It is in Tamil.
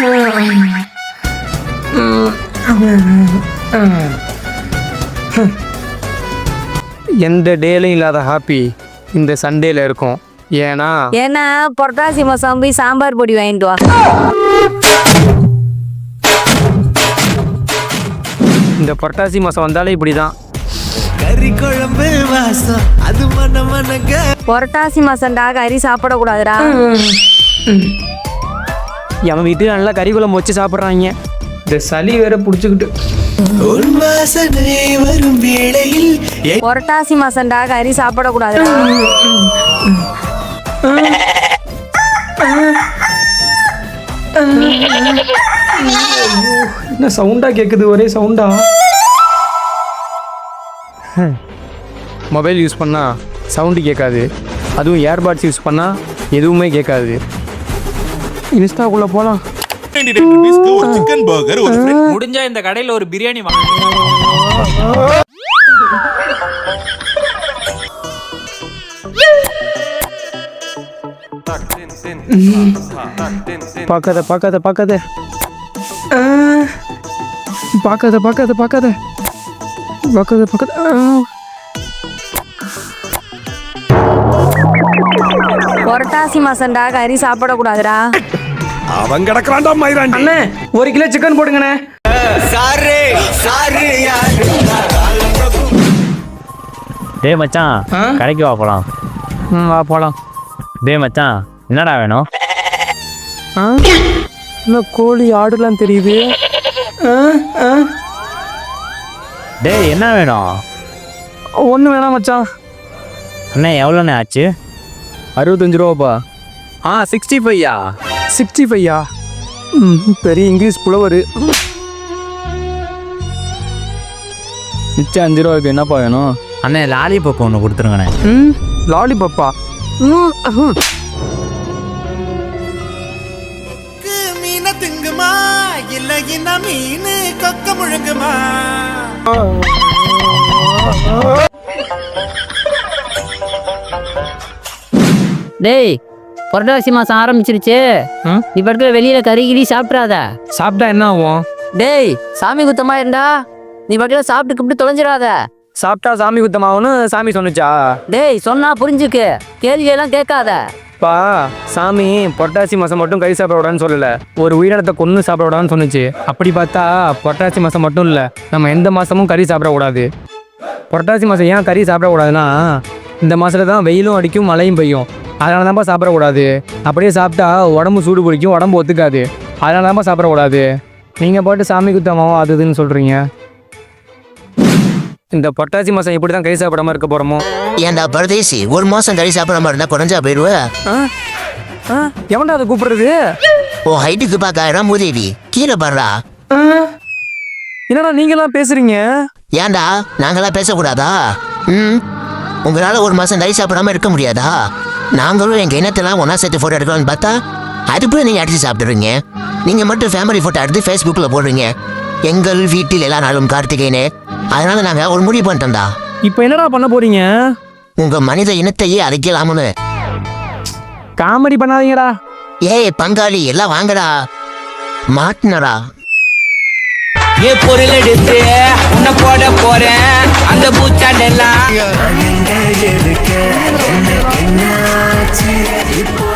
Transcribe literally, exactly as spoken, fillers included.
எந்த டேலையும் இல்லாத ஹாப்பி இந்த சண்டேல இருக்கும். ஏன்னா ஏன்னா புரட்டாசி மாசம் போய் சாம்பார் பொடி வாங்கிட்டு வா. இந்த புரட்டாசி மாசம் வந்தாலே இப்படிதான். புரட்டாசி மாசம்டா கறி சாப்பிடக்கூடாதுடா. எவன் வீட்டுல நல்லா கறி குழம்பு வச்சு சாப்பிட்றாங்க. இந்த சளி வேற புடிச்சுக்கிட்டு புரட்டாசி மாசம்டா கறி சாப்பிடக்கூடாதுடா. என்ன சவுண்டா கேக்குது, ஒரே சவுண்டா. மொபைல் யூஸ் பண்ணா சவுண்டு கேட்காது, அதுவும் ஏர்பாட்ஸ் யூஸ் பண்ணா எதுவுமே கேட்காது. இன்ஸ்டாக்குள்ள போலாம். முடிஞ்சா இந்த கடையில ஒரு பிரியாணி வாங்க. பார்க்காத பார்க்காத பார்க்காத பார்க்காத பார்க்காத பார்க்காத பார்க்காத பார்க்காத புரட்டாசி மாசம்டா கறி சாப்பிடக்கூடாதுடா. அவன் கிடக்குறான்டா மயிராண்டி. அண்ணே ஒரு கிலோ சிக்கன் போடுங்கண்ணே. டேய் மச்சான், கடைக்கு வா போலாம். ம் வா போலாம். டேய் மச்சான், என்னடா வேணும்? ஆ இன்னும் கோழி ஆடுலாம் தெரியுது. டேய் என்ன வேணும்? ஒன்றும் வேணாம் மச்சான். அண்ணே எவ்வளோண்ணே ஆச்சு? அறுபத்தஞ்சு ரூபாப்பா. ஆ சிக்ஸ்டி ஃபைவ்யா? சிக்ஸ்டி ஃபைவ்யா? ம் பெரிய இங்கிலீஷ் புலவர். மிச்சம் அஞ்சு ரூபாய்க்கு என்னப்பா வேணும்? அண்ணே லாலிபப் ஒன்று கொடுத்துருங்கண்ணே. ம் லாலிபப்பா? ம் மீன திங்குமா இல்ல என்ன மீன் கொக்க முழுங்குமா? டேய் புரட்டாசி மாசம் ஆரம்பிச்சிருச்சு. இப்ப இடத்துல வெளியில கறி கிரி சாப்பிட்றாத. சாப்பிட்டா என்ன ஆகும்? டேய் சாமி குத்தமா இருந்தா நீ பக்கத்துல சாப்பிட்டு கிப்பிட்டு தொலைஞ்சிடாத. சாப்பிட்டா சாமி குத்தமாகனு சாமி சொன்னுச்சா? டேய் சொன்னா புரிஞ்சுக்கு, கேள்வி எல்லாம் கேட்காத. பா சாமி புரட்டாசி மாதம் மட்டும் கறி சாப்பிடக்கூடாதுன்னு சொல்லலை, ஒரு உயிரினத்தை கொன்று சாப்பிடக்கூடாதுன்னு சொன்னுச்சு. அப்படி பார்த்தா புரட்டாசி மாதம் மட்டும் இல்லை, நம்ம எந்த மாதமும் கறி சாப்பிடக்கூடாது. புரட்டாசி மாதம் ஏன் கறி சாப்பிடக்கூடாதுன்னா, இந்த மாதத்தில் தான் வெயிலும் அடிக்கும் மழையும் பெய்யும். அதனால தான்ப்பா சாப்பிடக்கூடாது. அப்படியே சாப்பிட்டா உடம்பு சூடு பிடிக்கும், உடம்பு ஒத்துக்காது. அதனால தான்ப்பா சாப்பிடக்கூடாது. நீங்கள் போட்டு சாமி குத்தமாவோ அது இதுன்னு சொல்கிறீங்க. இந்த பொட்டாசி மாதம் எப்படி தான் கறி சாப்பிடாம இருக்க போகிறோமோ? ஏன்டா பரதேசி, ஒரு மாசம் கறி சாப்பிடாம இருந்தா குறைஞ்சா போயிடுவேன். எவன்டா அதை கூப்பிடுறது? ஓ ஹைட்டுக்கு பார்க்காயிரம் மூதேவி, கீழே பாடுறா. என்னடா நீங்களாம் பேசுறீங்க? ஏன்டா நாங்களாம் பேசக்கூடாதா? ம் உங்களால ஒரு மாசம் கறி சாப்பிடாம இருக்க முடியாதா? நாங்களும் எங்க இனத்தெல்லாம் ஒன்னா சேர்த்து போட்டோ எடுக்கலாம்னு பார்த்தா அதுக்குள்ள நீங்க அடிச்சு சாப்பிடுறீங்க. நீங்க மட்டும் ஃபேமிலி போட்டோ எடுத்து ஃபேஸ்புக்ல போடுறீங்க, எங்கள் வீட்டில் எல்லா நாளும் கார்த்திகைன்னு. அதனால நாங்க ஒரு முடிவு பண்ணிட்டோம்டா. இப்போ என்னடா பண்ண போறீங்க? உங்க மனித இனத்தையே அழைக்கலாம்னு. காமெடி பண்ணாதீங்கடா. ஏய் பங்காளி எல்லாம் வாங்கடா, மாட்டினடா. ஏ பொருள் எடுத்து உன்னை போட போறேன் அந்த பூச்சாண்டெல்லாம்.